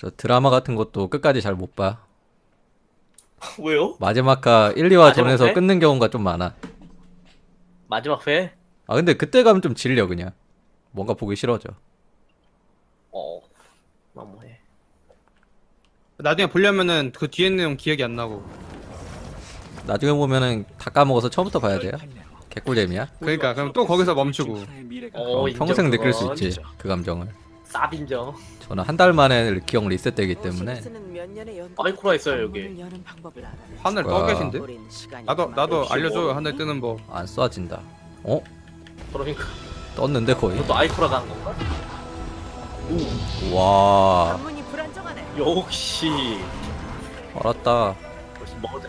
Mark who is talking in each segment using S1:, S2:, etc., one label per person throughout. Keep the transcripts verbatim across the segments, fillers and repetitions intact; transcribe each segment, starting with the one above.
S1: 저 드라마 같은 것도 끝까지 잘 못 봐.
S2: 왜요?
S1: 마지막 화 일, 이 화
S2: 마지막
S1: 전에서
S2: 회?
S1: 끊는 경우가 좀 많아.
S2: 마지막 회?
S1: 아 근데 그때 가면 좀 질려 그냥. 뭔가 보기 싫어져.
S2: 어. 너무해.
S3: 나중에 보려면은 그 뒤에 내용 기억이 안 나고.
S1: 나중에 보면은 다 까먹어서 처음부터 봐야 돼요. 개꿀잼이야.
S3: 그러니까 그럼 또 거기서 멈추고.
S2: 어,
S1: 그럼
S2: 인정,
S1: 평생 느낄 수
S2: 그건.
S1: 있지 그 감정을.
S2: 쌉인정.
S1: 저는 한 달 만에 기억 리셋되기 때문에
S2: 아이쿠라 있어요, 여기.
S3: 하늘 떠
S1: 와.
S3: 계신데? 나도 나도
S2: 역시
S3: 알려줘요
S2: 뭐.
S3: 하늘 뜨는 법.
S1: 안 쏴진다. 어?
S2: 그러니까
S1: 떴는데 거의.
S2: 이것도 아이쿠라 간 건가?
S1: 와
S4: 관문이 불안정하네.
S2: 역시
S1: 알았다.
S2: 역시 머정.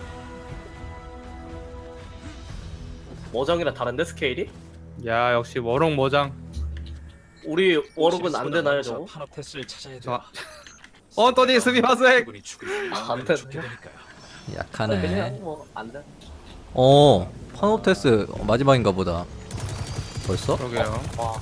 S2: 머정이랑 다른데 스케일이?
S3: 야 역시 워롱 모장.
S2: 우리 워럭은 안 되나요, 저거?
S5: 파노테스를 찾아야 돼.
S3: 저 어 또니 스미마셍.
S2: 안 돼.
S1: 약하네.
S2: 그냥 뭐 안 돼.
S1: 어 파노테스 마지막인가 보다. 벌써?
S3: 그러게요.
S2: 와.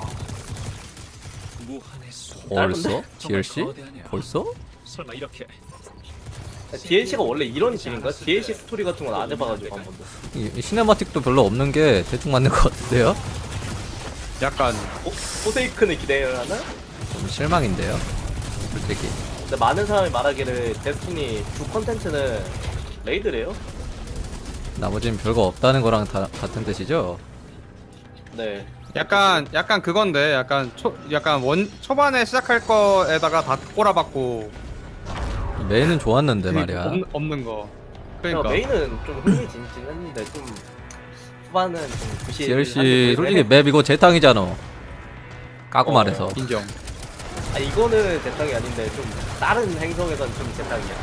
S5: 무한의 수.
S1: 벌써? 디엘씨? 벌써?
S5: 설마 이렇게
S2: 디엘씨가 원래 이런 식인가? 디엘씨 스토리 같은 건 안 해봐가지고 한 번도.
S1: 이, 이 시네마틱도 별로 없는 게 대충 맞는 것 같은데요?
S3: 약간
S2: 어? 포세이큰을 기대를 하나?
S1: 좀 실망인데요 솔직히.
S2: 근데 많은 사람이 말하기를 데스티니 주 컨텐츠는 레이드래요?
S1: 나머지는 별거 없다는 거랑 다 같은 뜻이죠?
S2: 네.
S3: 약간 약간 그건데 약간 초 약간 원 초반에 시작할 거에다가 다 꼬라박고
S1: 메인은 좋았는데
S3: 그
S1: 말이야.
S3: 없, 없는 거.
S2: 그러니까
S3: 그러니까
S2: 메인은 좀 흥미진진했는데 좀 후반은 좀 부실.
S1: 디엘씨 솔직히 맵 이거 재탕이잖아. 까고
S2: 어.
S1: 말해서.
S3: 인정.
S2: 아 이거는 재탕이 아닌데 좀 다른 행성에선 좀 재탕이야.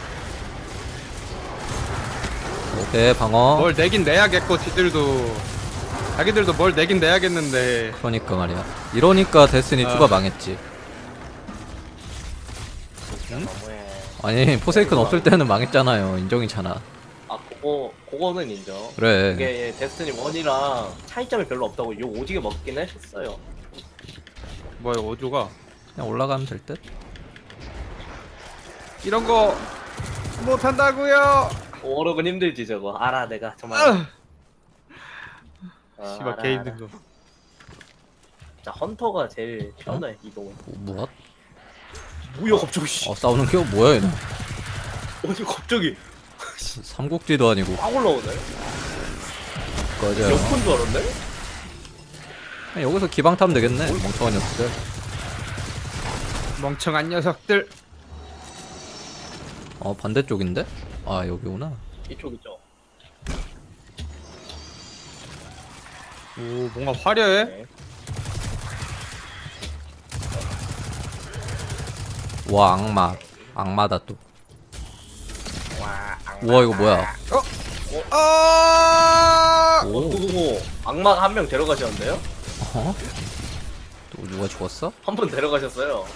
S1: 오케이 방어.
S3: 뭘 내긴 내야겠고 지들도 자기들도 뭘 내긴 내야겠는데
S1: 그러니까 말이야. 이러니까 데스니
S3: 아.
S1: 투가 망했지.
S2: 진짜 너무해.
S1: 아니 포세이큰 없을 때는 망했잖아요. 인정이잖아.
S2: 아 그거 그거는 인정.
S1: 그래.
S2: 이게 데스티니 일이랑 차이점이 별로 없다고 욕 오지게 먹긴 했었어요.
S3: 뭐야 오조가
S1: 그냥 올라가면 될 듯?
S3: 이런 거 못한다고요.
S2: 워럭은 힘들지 저거. 알아 내가 정말.
S3: 아,
S2: 아,
S3: 씨발
S2: 알아,
S3: 개인
S2: 알아.
S3: 거.
S2: 자 헌터가 제일 편해 이동은.
S1: 뭐, 무엇?
S2: 뭐야 갑자기 씨.
S1: 어 싸우는 게 뭐야 얘는.
S2: 어디 갑자기
S1: 삼국지도 아니고.
S2: 확 올라오네.
S1: 꺼져.
S2: 역군 줄 알았네.
S1: 그냥 여기서 기방 타면 되겠네. 멍청한 녀석들.
S3: 멍청한 녀석들.
S1: 어 반대쪽인데? 아 여기구나.
S2: 이쪽 있죠.
S3: 오 뭔가 화려해.
S2: 네.
S1: 와 악마. 악마다 또.
S2: 와.
S1: 우와 이거 뭐야?
S3: 아!
S2: 어,
S1: 오.
S2: 그거 악마 한 명 데려가셨는데요?
S1: 어? 또 누가 죽었어?
S2: 한 분 데려가셨어요.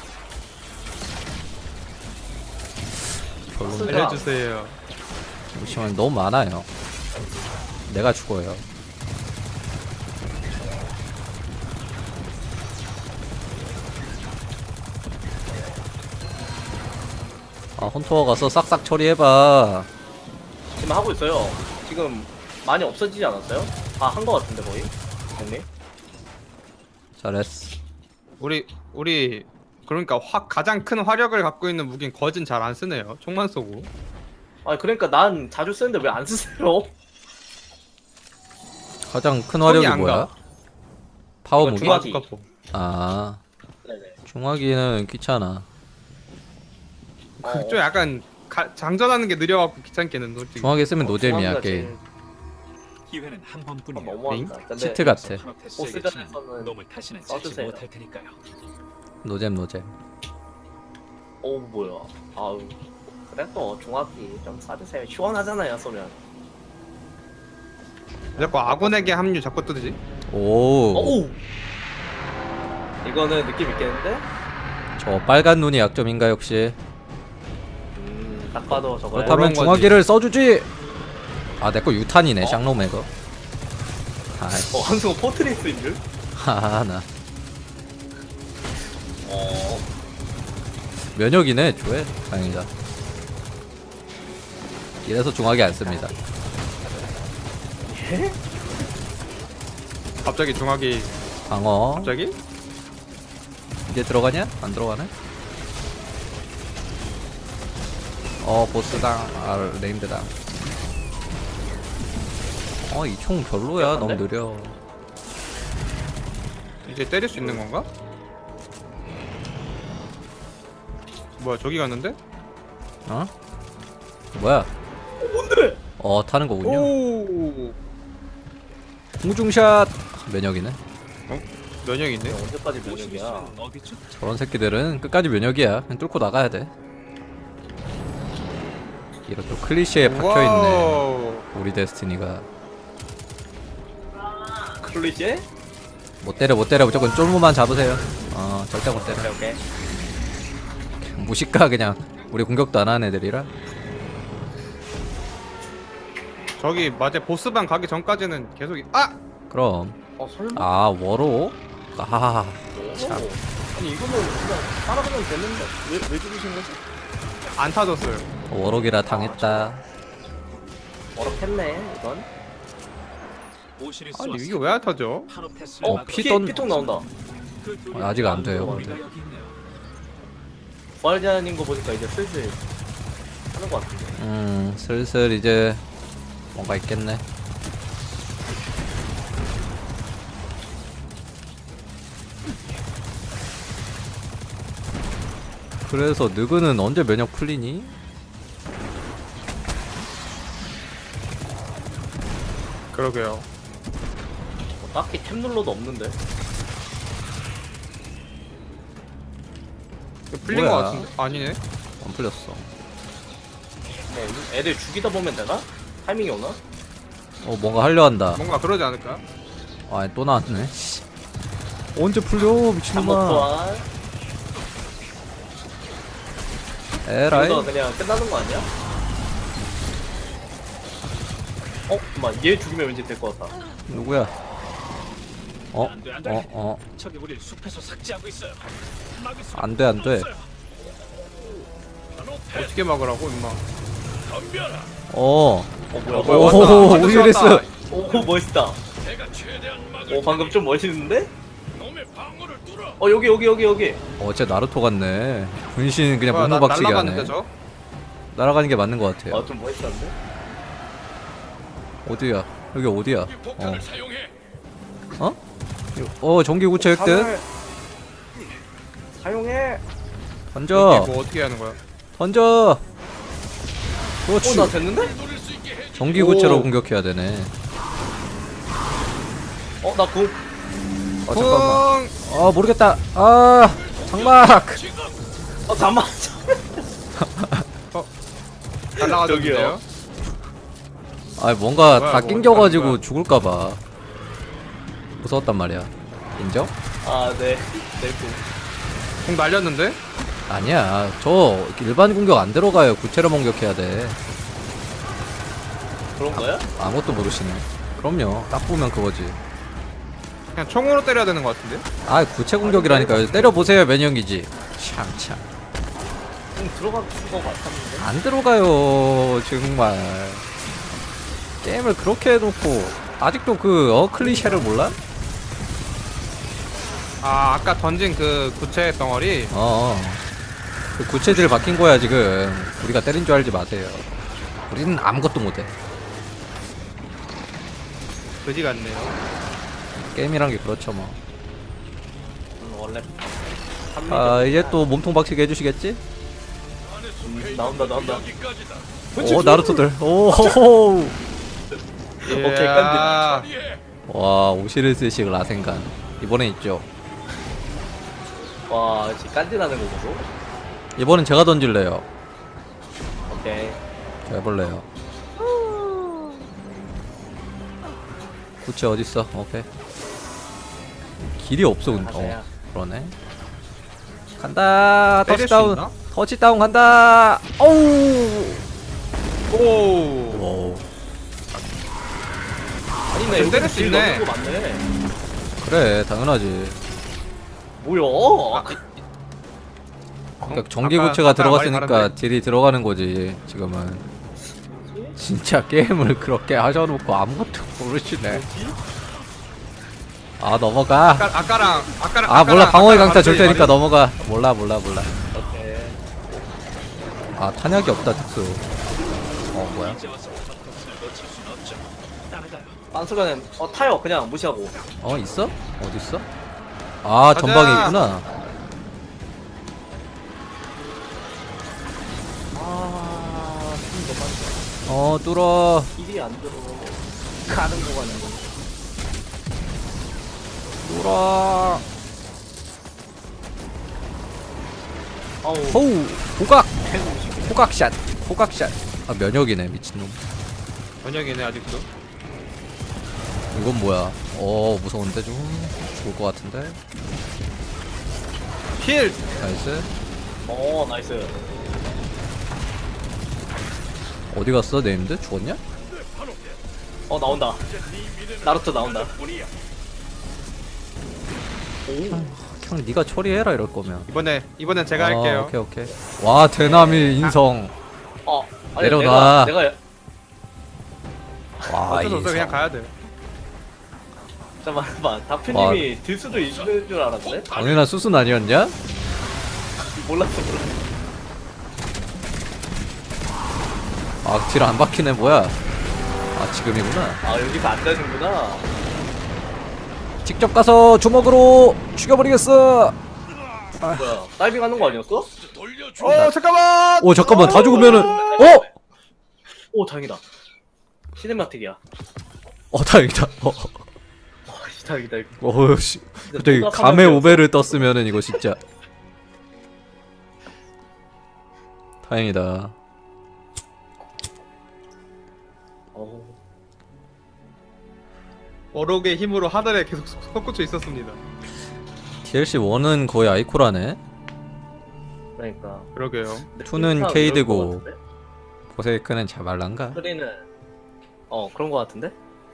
S1: 별로.
S3: 알려주세요.
S1: 잠시만 너무 많아요. 내가 죽어요. 아 헌터가 가서 싹싹 처리해봐.
S2: 지금 하고 있어요. 지금 많이 없어지지 않았어요? 다 한 거 같은데 거의. 형님.
S1: 잘했어.
S3: 우리 우리 그러니까 화, 가장 큰 화력을 갖고 있는 무기는 거진 잘 안 쓰네요. 총만 쏘고.
S2: 아 그러니까 난 자주 쓰는데 왜 안 쓰세요?
S1: 가장 큰
S3: 손이
S1: 화력이
S3: 안
S1: 뭐야?
S3: 가.
S1: 파워
S2: 이거
S1: 무기?
S2: 중화기.
S3: 중화기.
S1: 아
S2: 네네.
S1: 중화기는 귀찮아.
S2: 어.
S3: 좀 약간 가, 장전하는 게 느려갖고 귀찮게는 솔직히.
S1: 중화기 쓰면 노잼이야
S2: 중화기가
S1: 게임.
S2: 제일
S5: 기회는 한
S2: 아,
S5: 번뿐이야.
S2: 너무한다. 근데
S1: 치트 같아.
S2: 보스전에서는
S5: 놈을 다시는 찾지
S2: 써주세요.
S5: 못할 테니까요.
S1: 노잼 노잼.
S2: 어 뭐야? 아우 그래 또 중화기 좀 사주세요. 시원하잖아요 쏘면.
S3: 자꾸 아군에게 합류 자꾸 뜨지.
S1: 오.
S2: 어우. 이거는 느낌 있겠는데?
S1: 저 빨간 눈이 약점인가 역시.
S2: 음, 딱 봐도 저거야.
S1: 그렇다면
S3: 거지.
S1: 중화기를 써주지. 아 내 거 유탄이네. 샹로메거. 아이씨.
S2: 어 한승호 포트리스인 줄?
S1: 하하 나.
S2: 어.
S1: 면역이네 조회. 다행이다. 이래서 중하게 안 씁니다.
S2: 예?
S3: 갑자기 중학이
S1: 방어.
S3: 갑자기?
S1: 이제 들어가냐? 안 들어가네? 어 보스당. 아 네임드당. 어 이 총 별로야. 너무 느려.
S3: 이제 때릴 수 있는 건가? 뭐야 저기 갔는데?
S1: 어? 뭐야?
S2: 뭔데?
S1: 어 타는 거군요.
S3: 오
S1: 공중샷. 면역이네.
S3: 면역이 있네.
S2: 언제까지 면역이야?
S5: 어디죠?
S1: 저런 새끼들은 끝까지 면역이야. 그냥 뚫고 나가야 돼. 이런 또 클리셰에 박혀있네.
S3: 와우.
S1: 우리 데스티니가.
S2: 클리셰?
S1: 못 때려 못 때려. 무조건 쫄무만 잡으세요. 어 절대 못 때려.
S2: 오케이 오케이.
S1: 무식가 그냥. 우리 공격도 안 하는 애들이라.
S3: 저기 맞아 보스방 가기 전까지는 계속 이- 아!
S1: 그럼.
S2: 어 설마?
S1: 아 워로? 아 참.
S2: 아니 이거는 그냥 따라가면 되는데 왜, 왜 죽이신 거지?
S3: 안 타졌어요.
S1: 워록이라 당했다.
S2: 어렵겠네 이건.
S5: 오시리스
S3: 아니 이게 왜 안 타죠?
S5: 파노페스를
S1: 어,
S5: 막아-
S1: 피
S2: 피,
S1: 던-
S2: 피통 나온다.
S5: 그 둘이
S1: 어, 아직 안 돼요,
S5: 우리가
S1: 근데.
S5: 여기 있네요.
S2: 부활자인 거 보니까 이제 슬슬 하는 거 같은데.
S1: 음 슬슬 이제 뭔가 있겠네. 그래서 느그는 언제 면역 풀리니?
S3: 그러게요.
S2: 뭐 딱히 템 눌러도 없는데.
S3: 이거 풀린
S1: 뭐야?
S3: 거 같은데? 아니네.
S1: 안 풀렸어.
S2: 뭐 애들 죽이다 보면 되나? 타이밍이 오나?
S1: 어 뭔가 하려 한다.
S3: 뭔가 그러지 않을까?
S1: 아 또 나왔네. 씨. 언제 풀려
S2: 잠복
S1: 미친놈아.
S2: 부활.
S1: 에라이.
S2: 이거 그냥 끝나는 거 아니야? 어? 잠깐만 얘 죽이면 왠지 될 것 같다.
S1: 누구야? 어?
S5: 안 돼, 안 돼.
S1: 어? 어?
S5: 저기 우리를 숲에서 삭제하고 있어요. 막을 수
S1: 안 돼, 안 돼.
S5: 없어요. 파노페스
S3: 어떻게 막으라고 임마.
S5: 덤벼라.
S1: 어.
S2: 어 뭐야
S1: 오,
S2: 뭐야
S3: 왔다.
S1: 오,
S3: 아저씨
S1: 오히레스.
S3: 왔다.
S2: 오 멋있다.
S5: 내가 최대한 막을
S2: 오 방금 좀 멋있는데?
S5: 놈의 방어를 뚫어.
S2: 어 여기 여기 여기 여기.
S1: 어, 쟤 나루토 같네. 분신 그냥
S3: 뭐야, 나
S1: 목노박치기 하네.
S3: 날라갔는데 저?
S1: 날아가는 게 맞는 것 같아요.
S2: 아 좀 멋있었는데?
S1: 어디야? 여기 어디야?
S5: 이
S1: 어?
S5: 폭탄을 사용해.
S1: 어? 어, 전기 구체 획득.
S2: 사용해. 사용해.
S1: 던져.
S3: 이게 뭐 어떻게 하는 거야?
S1: 던져. 그렇지.
S2: 어나 됐는데?
S5: 노릴 수 있게 해.
S1: 전기 구체로
S2: 오.
S1: 공격해야 되네.
S2: 어나 궁.
S1: 아, 잠깐만.
S3: 쿵!
S1: 아, 모르겠다. 아, 장막.
S2: 어 잠만.
S3: 날라가졌는데요?
S1: 아, 뭔가
S3: 뭐야,
S1: 다
S3: 뭐
S1: 낑겨가지고
S3: 어떡하는 거야?
S1: 죽을까봐 무서웠단 말이야. 인정?
S2: 아 네. 내 궁.
S3: 공 날렸는데?
S1: 아니야. 저 일반 공격 안 들어가요. 구체로 공격해야 돼.
S2: 그런 거야?
S1: 아무것도 모르시네. 그럼요. 딱 보면 그거지.
S3: 그냥 총으로 때려야 되는 거 같은데?
S1: 아, 구체 공격이라니까요. 때려보세요. 면역이지. 참참.
S2: 궁 들어간 거 같았는데.
S1: 안 들어가요. 정말. 게임을 그렇게 해놓고 아직도 그 어 클리셰를 몰라?
S3: 아 아까 던진 그 구체 덩어리
S1: 어. 어. 그 구체질 바뀐 거야 지금. 우리가 때린 줄 알지 마세요. 우리는 아무것도 못해.
S3: 그지 같네요.
S1: 게임이란 게 그렇죠 뭐.
S2: 음, 원래.
S1: 아 이제 또 몸통 박치기 해주시겠지?
S2: 음, 나온다 나온다.
S5: 여기까지다.
S1: 오 나루토들. 오호호.
S2: 오케이,
S3: 이야.
S1: 와 오시리스식 라센간 이번엔 있죠.
S2: 와 진짜 깐지나는 거 보소.
S1: 이번엔 제가 던질래요.
S2: 오케이.
S1: 저 해볼래요. 구체 어딨어? 오케이. 길이 없어 근데. 어
S2: 가세요.
S1: 그러네. 간다.
S3: 때릴 수
S1: 터치다운.
S3: 있나?
S1: 터치다운 간다. 오우.
S3: 오.
S1: 오.
S2: 아니네
S3: 좀
S2: 여기
S3: 때릴 수
S2: 딜
S3: 있네.
S2: 넣는 거 맞네.
S1: 그래 당연하지.
S2: 뭐야?
S3: 아,
S1: 그러니까 전기
S3: 아까-
S1: 구체가
S3: 아까랑 말이
S1: 들어갔으니까
S3: 다른데?
S1: 딜이 들어가는 거지 지금은. 진짜 게임을 그렇게 하셔놓고 아무것도 모르시네. 아 넘어가.
S3: 아까, 아까랑 아까랑
S1: 아 몰라
S3: 아까랑-
S1: 방어의
S3: 아까랑
S1: 강타 줄
S3: 완전히
S1: 테니까
S3: 말이-
S1: 넘어가. 몰라 몰라 몰라.
S2: 오케이.
S1: 아 탄약이 없다 특수. 어 뭐야?
S2: 빤스가는 어 타요 그냥 무시하고.
S1: 어 있어? 어디 있어? 아
S3: 가자.
S1: 전방에 있구나.
S2: 아, 힘 너무 많다.
S1: 어 뚫어.
S2: 길이 안 들어. 가는 구간이.
S1: 뚫어.
S2: 아우.
S1: 호우 호각
S2: 해보고
S1: 호각샷 호각샷. 아 면역이네 미친놈.
S3: 번역이네 아직도.
S1: 이건 뭐야? 어 무서운데 좀 죽을 것 같은데.
S3: 힐.
S1: 나이스.
S2: 어 나이스.
S1: 어디 갔어 네임드? 죽었냐?
S2: 어 나온다. 나루토 나온다. 오.
S1: 그냥 네가 처리해라 이럴 거면.
S3: 이번에 이번엔 제가
S1: 아,
S3: 할게요.
S1: 오케이 오케이. 와 대남이 인성.
S2: 어. 아니,
S1: 내려놔.
S2: 내가, 내가
S1: 와
S3: 어쩔 수 없어
S1: 인성.
S3: 그냥 가야 돼.
S2: 잠깐만
S1: 와.
S2: 다프님이 들 수도 있는 줄 알았네.
S1: 당연한 수순 아니었냐?
S2: 몰랐어 몰랐어.
S1: 아 딜 안 박히네 뭐야? 아 지금이구나.
S2: 아 여기서 안 되는구나.
S1: 직접 가서 주먹으로 죽여버리겠어.
S2: 뭐야 다이빙 하는 거 아니었어?
S5: 돌려줘.
S3: 어 잠깐만.
S1: 오 잠깐만 다 죽으면은 어?
S2: 오 다행이다. 시네마틱이야.
S1: 어 다행이다. 어,
S2: 와 다행이다. 이거.
S1: 어, 씨.
S2: 진짜
S1: 갑자기
S2: 누가
S1: 감의
S2: 사망이었어.
S1: 오배를 떴으면은 이거 진짜 다행이다.
S2: 어우.
S3: 어록의 힘으로 하늘에 계속 솟구쳐 있었습니다.
S1: 디엘씨 일은 거의 아이코라네.
S2: 그러니까.
S3: 그러게요.
S1: 투는
S2: 이럴
S1: 케이드고.
S2: 것 같은데?
S1: 보세이크는 자발란가?
S2: 쓰리는 어 그런 거 같은데?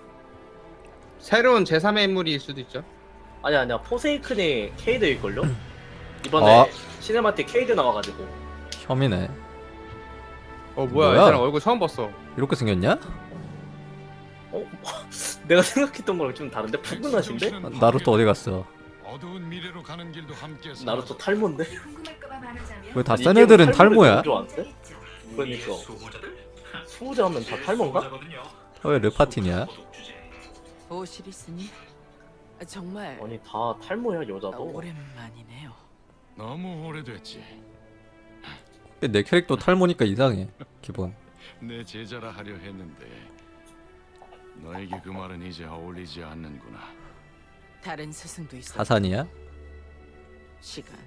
S3: 새로운 제삼의 인물일 수도 있죠.
S2: 아니야 아니야 포세이큰이 케이드일걸요? 이번에
S1: 아.
S2: 시네마틱 케이드 나와가지고.
S1: 혐이네.
S3: 어 뭐야,
S1: 뭐야?
S3: 이 사람 얼굴 처음 봤어.
S1: 이렇게 생겼냐?
S2: 어? 내가 생각했던 거랑 좀 다른데? 푸근하신데?
S1: 나루토 어디 갔어?
S5: 어두운 미래로 가는 길도 함께
S2: 나루토 탈모인데?
S1: 왜 다
S2: 아니,
S1: 센
S2: 이
S1: 애들은
S2: 게임은
S1: 탈모야?
S2: 탈모를 좋아하는데? 그러니까 수호자 하면 다 탈모인가?
S1: 왜 르파틴이야?
S4: 오시리스니? 정말
S2: 아니 다 탈모야 여자도.
S4: 오랜만이네요.
S5: 너무 오래됐지.
S1: 내 캐릭터 탈모니까 이상해. 기본.
S5: 내 제자라 하려 했는데 너에게 그 말은 이제 어울리지 않는구나.
S4: 다른 스승도 있어.
S1: 사산이야?
S4: 시간,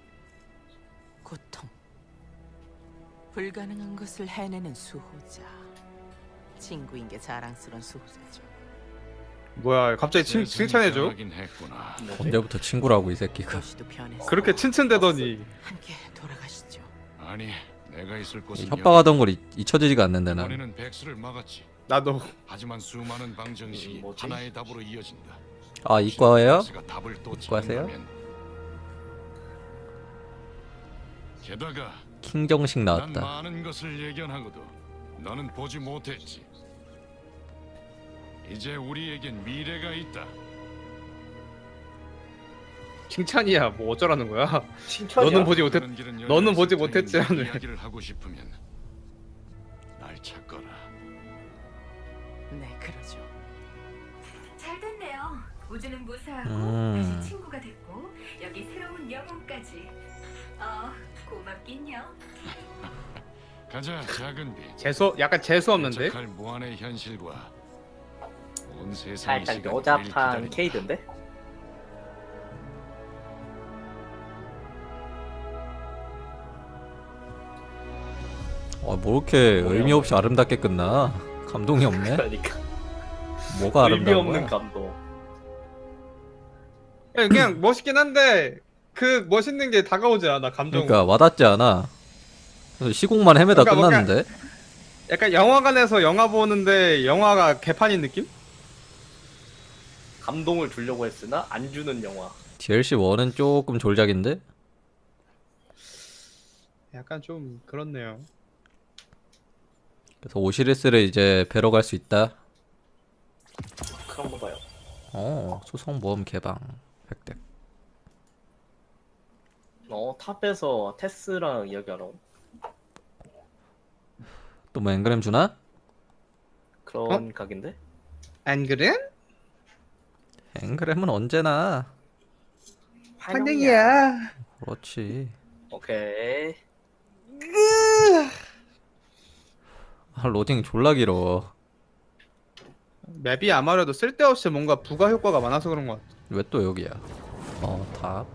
S4: 고통, 불가능한 것을 해내는 수호자. 친구인 게 자랑스러운 수호자죠.
S3: 뭐야, 갑자기 칭, 칭찬해줘.
S5: 하긴 했구나.
S2: 뭐지?
S1: 언제부터 친구라고 이 새끼가.
S4: 도시도 변했어.
S3: 그렇게 칭찬대더니.
S4: 함께 돌아가시죠.
S5: 아니, 내가 있을 곳은
S1: 협박하던 걸 잊- 잊혀지지가 않는데 난.
S5: 이번에는 백수를 막았지.
S3: 나도.
S5: 하지만 수많은 방정식이
S2: 음, 뭐지?
S5: 하나의 답으로 이어진다.
S1: 아 이과예요?
S5: 백수가 답을 또
S1: 이과세요?
S5: 찾는다면. 게다가
S1: 킹정식
S5: 난
S1: 나왔다.
S5: 많은 것을 예견하고도 너는 보지 못했지. 이제 우리에겐 미래가 있다.
S3: 칭찬이야. 뭐 어쩌라는 거야.
S2: 칭찬이야?
S3: 너는 보지 못했.
S5: 가는 길은
S3: 너는
S5: 열려
S3: 보지
S5: 있을 테니
S3: 못했지라는.
S5: 네 이야기를 하고 싶으면 날 찾거라.
S4: 네, 그러죠.
S6: 잘 됐네요. 우주는 무사하고
S1: 음.
S6: 다시 친구가 됐고 여기 새로운 영혼까지. 어, 고맙긴요.
S5: 가자, 작은 빛.
S3: 재수, 약간 재수 없는데.
S5: 도착할 무한의 현실과 온 세상의
S2: 살짝
S5: 시간이
S2: 여자판
S5: 기다린다.
S2: 케이드인데?
S1: 어, 뭐 이렇게 의미 없이 아름답게 끝나? 감동이 없네.
S2: 그러니까
S1: 뭐가
S2: 의미
S1: 아름다운
S2: 없는
S1: 거야?
S2: 감동.
S3: 그냥, 그냥 멋있긴 한데 그 멋있는 게 다가오지 않아. 감정.
S1: 그러니까 와닿지 않아. 그래서 시공만 헤매다
S3: 그러니까 뭔가-
S1: 끝났는데.
S3: 약간 영화관에서 영화 보는데 영화가 개판인 느낌?
S2: 감동을 주려고 했으나 안 주는 영화.
S1: 디엘씨 일은 조금 졸작인데?
S3: 약간 좀 그렇네요.
S1: 그래서 오시리스를 이제 뵈러 갈 수 있다.
S2: 그런 거 봐요.
S1: 어, 수성 모험 개방 획득.
S2: 어 탑에서 테스랑 이야기하러
S1: 또 뭐 앵그램 주나?
S2: 그런 각인데?
S3: 안 그래?
S1: 앵그램은 언제나
S3: 환영이야.
S1: 그렇지.
S2: 오케이.
S1: 아, 로딩 졸라 길어.
S3: 맵이 아무래도 쓸데없이 뭔가 부가 효과가 많아서 그런 것 같아.
S1: 왜 또 여기야? 어, 탑.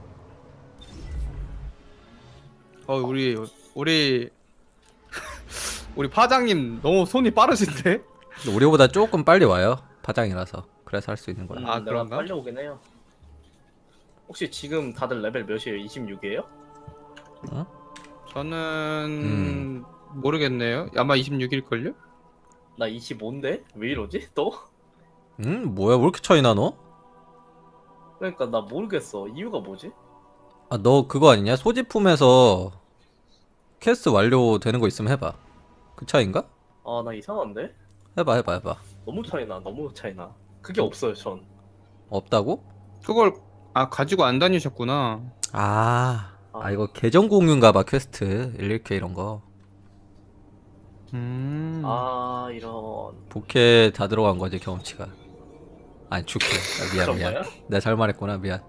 S3: 어 우리 우리 우리 파장님 너무 손이 빠르신데?
S1: 근데 우리보다 조금 빨리 와요. 파장이라서. 그래서 할 수 있는 거야.
S2: 음,
S3: 아,
S2: 내가
S3: 그런가?
S2: 빨리 오긴 해요. 혹시 지금 다들 레벨 몇이에요? 이십육이에요?
S3: 저는
S1: 음.
S3: 모르겠네요. 아마 이십육일걸요?
S2: 나 이십오인데? 왜 이러지? 또?
S1: 응? 뭐야? 왜 이렇게 차이 나 너?
S2: 그러니까 나 모르겠어. 이유가 뭐지?
S1: 아, 너 그거 아니냐? 소지품에서 퀘스트 완료되는 거 있으면 해봐. 그 차이인가?
S2: 아 나 이상한데?
S1: 해봐, 해봐, 해봐.
S2: 너무 차이나. 너무 차이나. 그게 없어요 전.
S1: 없다고?
S3: 그걸 아 가지고 안 다니셨구나.
S1: 아, 아
S2: 아.
S1: 이거 계정 공유인가 봐, 퀘스트. 일일 케이 이런 거.
S3: 음.
S2: 아 이런.
S1: 부캐 다 들어간 거지, 경험치가. 아니, 주캐. 아, 미안,
S2: 그런
S1: 미안.
S2: 거야?
S1: 내가 잘 말했구나, 미안.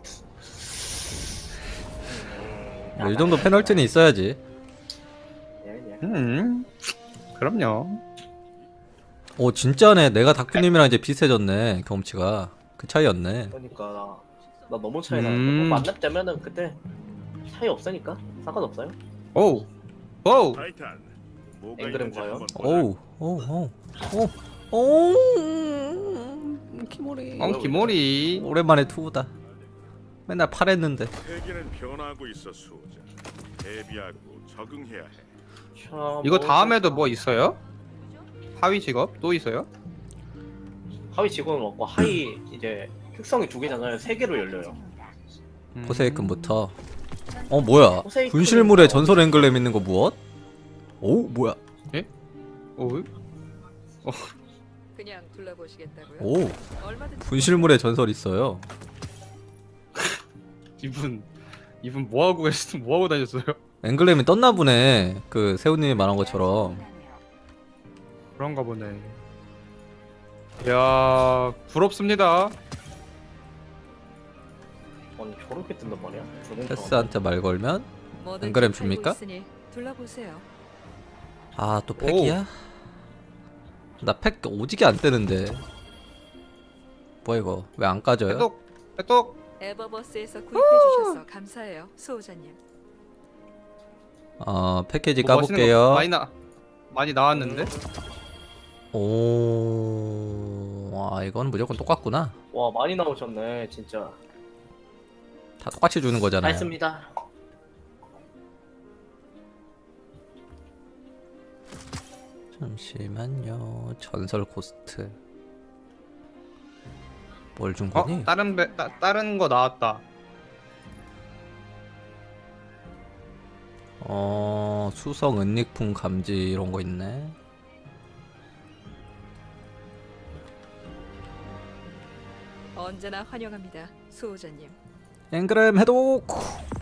S1: 뭐, 이 정도 페널티는 있어야지.
S2: 예, 예.
S3: 음. 그럼요.
S1: 오, 진짜네. 내가 다큐님이랑 이제 비슷해졌네, 경험치가. 그 차이였네.
S2: 그러니까 나, 나 너무 차이
S3: 음.
S2: 나는데 뭐 만렙 되면은 그때 차이 없으니까 상관없어요.
S3: 오우. 오우.
S5: 타이탄. 뭐가
S2: 앵그램
S5: 있는지
S2: 봐요?
S5: 한번 보자.
S1: 오우, 오우, 오우, 오우, 오우, 키모리.
S3: 엉키 모리.
S1: 오랜만에 투우다. 맨날 팔했는데.
S5: 세계는 변하고 있어 수호자. 대비하고 적응해야 해.
S2: 자,
S3: 이거
S2: 뭐-
S3: 다음에도 뭐 있어요? 하위 직업 또 있어요?
S2: 하위 직원은 없고 하위 이제 특성이 두 개잖아요. 세 개로 열려요.
S3: 음.
S1: 포세이큰부터. 어, 뭐야?
S2: 포세이큰은
S1: 분실물에
S2: 뭐-
S1: 전설 앵글렘 있는 거 무엇? 오, 뭐야?
S3: 오우.
S4: 그냥 둘러보시겠다고요?
S1: 오,
S4: 얼마든지
S1: 분실물에 전설 있어요.
S3: 이분 이분 뭐 하고 계시 뭐 하고 다녔어요?
S1: 앵글렘이 떴나 보네. 그 세훈님이 말한 것처럼.
S3: 그런가 보네. 이야 부럽습니다.
S2: 아니 저렇게 뜬단 말이야? 저건
S1: 테스한테 말 걸면
S4: 뭐든지
S1: 앵그램
S4: 팔고
S1: 줍니까?
S4: 있으니 둘러보세요.
S1: 아, 또 팩이야? 나 팩 오지게 안 뜨는데. 뭐야 이거? 왜 안 까져요?
S3: 해독 해독.
S4: 에버버스에서 구입해 주셔서 감사해요, 수호자님.
S1: 어, 패키지
S3: 뭐 멋있는 거
S1: 까볼게요.
S3: 많이 나 많이 나왔는데.
S1: 오, 아 이건 무조건 똑같구나.
S2: 와 많이 나오셨네 진짜.
S1: 다 똑같이 주는
S2: 다
S1: 거잖아요.
S2: 했습니다.
S1: 잠시만요. 전설 코스트. 뭘 준
S3: 어
S1: 거니?
S3: 다른 배 따, 다른 거 나왔다.
S1: 어, 수성 은닉품 감지 이런 거 있네.
S4: 언제나 환영합니다, 수호자님.
S1: 앵그램 해독. 오!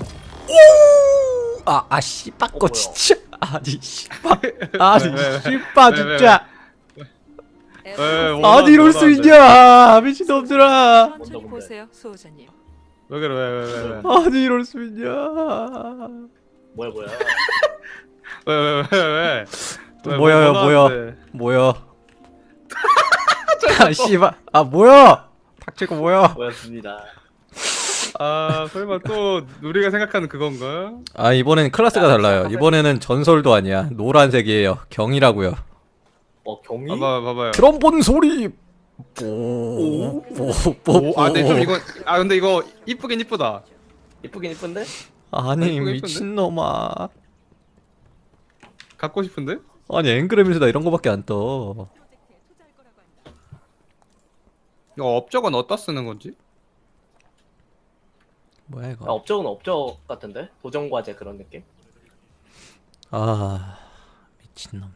S1: 아, 아 씨발 거
S2: 어, 뭐야?
S1: 진짜. 아니 씨발. 아니
S3: 왜, 왜, 왜?
S1: 씨발
S3: 왜, 왜,
S1: 진짜.
S3: 왜, 뭐-
S1: 아니 이럴 수
S3: 뭐라는데?
S1: 있냐 미친놈들아.
S4: 천천히
S2: 뭔데, 뭔데?
S4: 보세요, 수호자님.
S3: 왜 그래 왜 왜 왜 왜
S1: 아니 이럴 수 있냐.
S2: 뭐야 뭐야.
S3: 왜 왜 왜 왜 왜
S1: 뭐야,
S3: 뭐
S1: 뭐야.
S3: 나왔는데?
S1: 뭐야? 아 씨발. 아 뭐야? 닥치고 뭐야?
S2: 뭐였습니다.
S3: 아 설마 또 우리가 생각하는 그건가?
S1: 아 이번엔 클래스가
S2: 야,
S1: 달라요.
S2: 잠깐만.
S1: 이번에는 전설도 아니야. 노란색이에요. 경이라고요.
S2: 어 경이?
S3: 봐봐 봐봐요.
S1: 드럼 본 소리. 뽀. 뽀. 뽀.
S3: 오, 아 근데 좀 이거 아 근데 이거 이쁘긴 이쁘다.
S2: 이쁘긴 이쁜데?
S1: 아니
S3: 이쁘게
S1: 미친놈아.
S3: 갖고 싶은데?
S1: 아니 앵그램에서 나 이런 거밖에 안 떠.
S3: 이거 업적은 어디다 쓰는 건지?
S1: 뭐야
S2: 아,
S1: 이거?
S2: 업적은 업적 같은데? 도전 과제 그런 느낌?
S1: 아 미친놈들.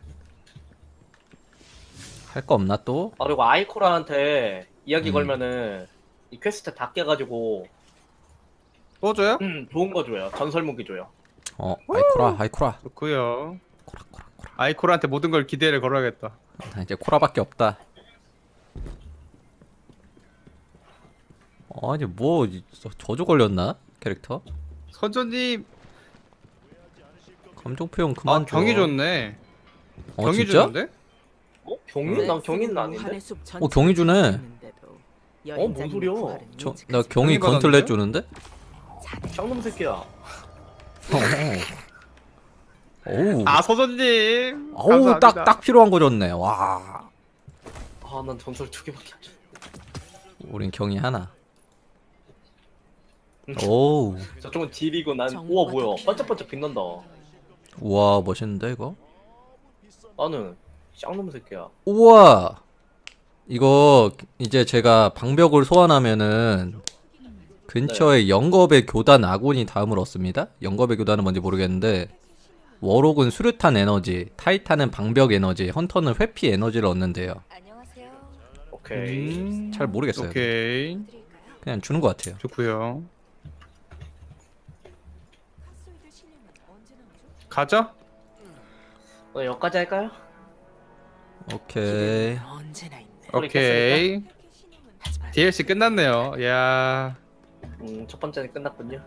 S1: 할 거 없나 또?
S2: 아 그리고 아이코라한테 이야기
S1: 음.
S2: 걸면은 이 퀘스트 다 깨가지고
S3: 또 줘요?
S2: 음 좋은 거 줘요. 전설 무기 줘요.
S1: 어 아이코라 아이코라
S3: 좋고요.
S1: 코라 코라 코라.
S3: 아이콜한테 모든 걸 기대를 걸어야겠다.
S1: 나 이제 코라밖에 없다. 아니 뭐 이- 저- 저주 걸렸나 캐릭터?
S3: 선조님
S1: 감정 표현 그만
S3: 아, 경이
S1: 줘.
S3: 좋네.
S1: 어
S3: 경이
S1: 진짜?
S3: 주는데?
S2: 어? 경인? 난 경인은 아닌데?
S4: 무한의 숲
S1: 어, 경이 주네.
S4: 전체를
S2: 어, 뭔 소리야?
S1: 저, 나 경이
S3: 경이
S1: 건틀렛
S3: 받았는데요?
S1: 주는데?
S2: 쌍놈 새끼야.
S1: 어우
S3: 아 선조님.
S1: 어우
S3: 감사합니다.
S1: 딱 딱 필요한 거 줬네. 와
S2: 아 난 전설 두 개밖에 안 줘.
S1: 우린 경이 하나. 오우
S2: 저쪽은 딜이고 난
S4: 정보가
S2: 우와 뭐야
S4: 더
S2: 반짝반짝 빛난다.
S1: 우와 멋있는데 이거?
S2: 나는 쌍놈 새끼야.
S1: 우와 이거 이제 제가 방벽을 소환하면은 근처에 영겁의 교단 아군이 다음을 얻습니다. 영겁의 교단은 뭔지 모르겠는데 워록은 수류탄 에너지, 타이탄은 방벽 에너지, 헌터는 회피 에너지를 얻는데요.
S6: 안녕하세요.
S2: 오케이.
S3: 음,
S1: 잘 모르겠어요.
S3: 오케이.
S1: 그냥 주는 것 같아요.
S3: 좋고요. 가자.
S2: 오늘 여기까지 할까요?
S1: 오케이.
S4: 언제나 있네.
S2: 소리
S3: 오케이.
S4: 하지만
S3: 디엘씨 끝났네요. 야.
S2: 음첫 번째는 끝났군요.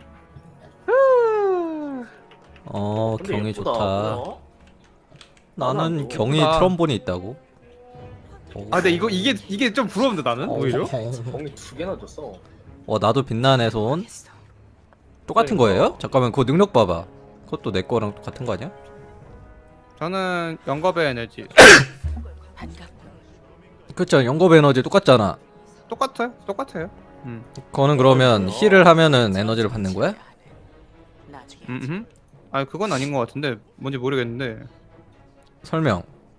S1: 어
S2: 근데
S1: 경이
S2: 예쁘다.
S1: 좋다.
S2: 뭐야?
S1: 나는
S2: 나는
S1: 경이
S3: 예쁘다.
S1: 트럼본이 있다고.
S3: 아 근데 이거 이게 이게 좀 부러운데 나는 오히려.
S2: 경이 두 개나 줬어.
S1: 어 나도 빛나는 손
S4: 모르겠어.
S1: 똑같은
S2: 그러니까.
S1: 거예요? 잠깐만 그거 능력 봐봐. 그것도 내 거랑 똑같은 거 아니야?
S3: 저는 영겁의 에너지.
S4: 반갑고
S1: 그쵸 영겁 에너지 똑같잖아.
S3: 똑같아요. 똑같아요. 음.
S1: 그거는 그러면 힐을 하면은 에너지를 받는 거야?
S4: 나중에
S3: 음. 아 그건 아닌 것 같은데 뭔지 모르겠는데
S1: 설명.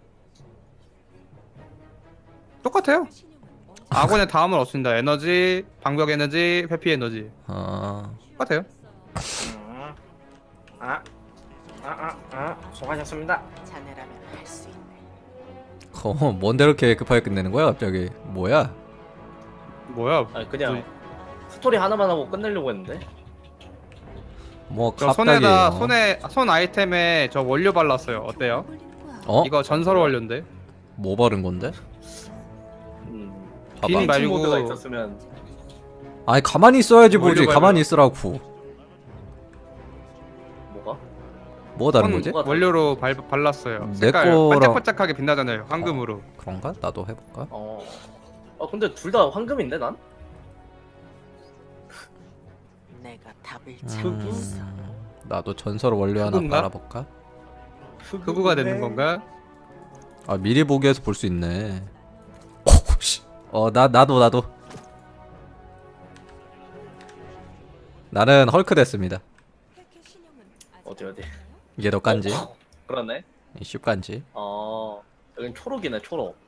S3: 똑같아요. 아군의 다음을 얻습니다. 에너지, 방벽 에너지, 회피 에너지.
S1: 아
S3: 똑같아요.
S2: 음. 아, 아, 아, 아, 수고하셨습니다.
S4: 자네라면 할 수 있네.
S1: 어, 뭔데 이렇게 급하게 끝내는 거야 갑자기? 뭐야?
S3: 뭐야?
S2: 아니 그냥 스토리 하나만 하고 끝내려고 했는데.
S1: 뭐
S3: 저
S1: 갑자기
S3: 손에다
S1: 어?
S3: 손에 손 아이템에 저 원료 발랐어요. 어때요?
S1: 어?
S3: 이거 전설 원료인데.
S1: 뭐 바른 건데?
S2: 음.
S1: 봐봐.
S3: 빈
S2: 말
S3: 말고-
S2: 모드가 있었으면
S1: 아니 가만히 있어야지 보지.
S3: 원료
S1: 가만히
S3: 발라.
S1: 있으라고.
S2: 뭐가?
S1: 뭐 다른
S3: 손
S1: 거지?
S2: 뭐가
S3: 원료로 발, 발랐어요.
S1: 내
S3: 색깔
S1: 거랑-
S3: 반짝반짝하게 빛나잖아요. 황금으로.
S1: 그런가? 나도 해볼까?
S2: 어. 아 근데 둘 다 황금인데 난?
S4: 내가 답을 찾겠어.
S1: 음, 나도 전설 원료 하나
S3: 흑우인가?
S1: 빨아볼까?
S3: 흑우가 되는 건가?
S1: 아 미리 보기에서 볼 수 있네. 어나 나도 나도. 나는 헐크 됐습니다.
S2: 어디 어디?
S1: 이게 더 깐지?
S2: 어, 그러네.
S1: 이 슈깐지?
S2: 어. 여긴 초록이네 초록.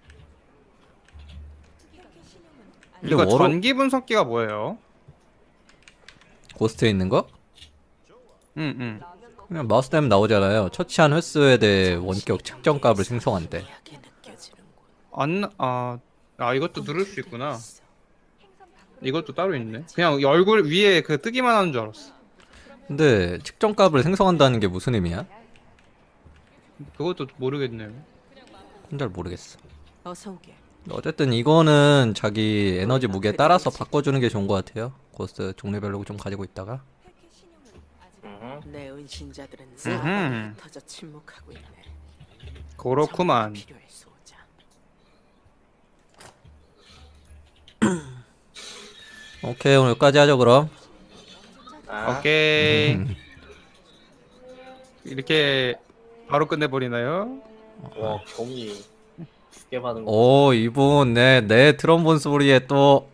S1: 근데
S3: 이거
S1: 워로-
S3: 전기 분석기가 뭐예요?
S1: 고스트에 있는 거?
S3: 응, 응.
S1: 그냥 마우스 때문에 나오잖아요. 처치한 횟수에 대해 원격 측정 값을 생성한대.
S4: 미하게 느껴지는군.
S3: 안, 아, 아 이것도 누를 수 있구나. 이것도 따로 있네. 그냥 얼굴 위에 그 뜨기만 하는 줄 알았어.
S1: 근데 측정 값을 생성한다는 게 무슨 의미야?
S3: 그것도 모르겠네요.
S1: 잘 모르겠어.
S4: 어서 오게.
S1: 어쨌든 이거는 자기 에너지 무게에 따라서 바꿔주는 게 좋은 것 같아요. 고스트 종류별로 좀 가지고 있다가.
S2: 음.
S4: 내 은신자들은
S3: 음흠.
S4: 사방에 터져 침묵하고 있네.
S3: 그렇구만.
S4: 정보가 필요해, 소자.
S1: 오케이 오늘 여기까지 하죠 그럼.
S2: 아.
S3: 오케이.
S1: 음.
S3: 이렇게 바로 끝내버리나요?
S2: 와 경이 두 개 받은 거.
S1: 오 이분 내 내 트럼본 소리에 또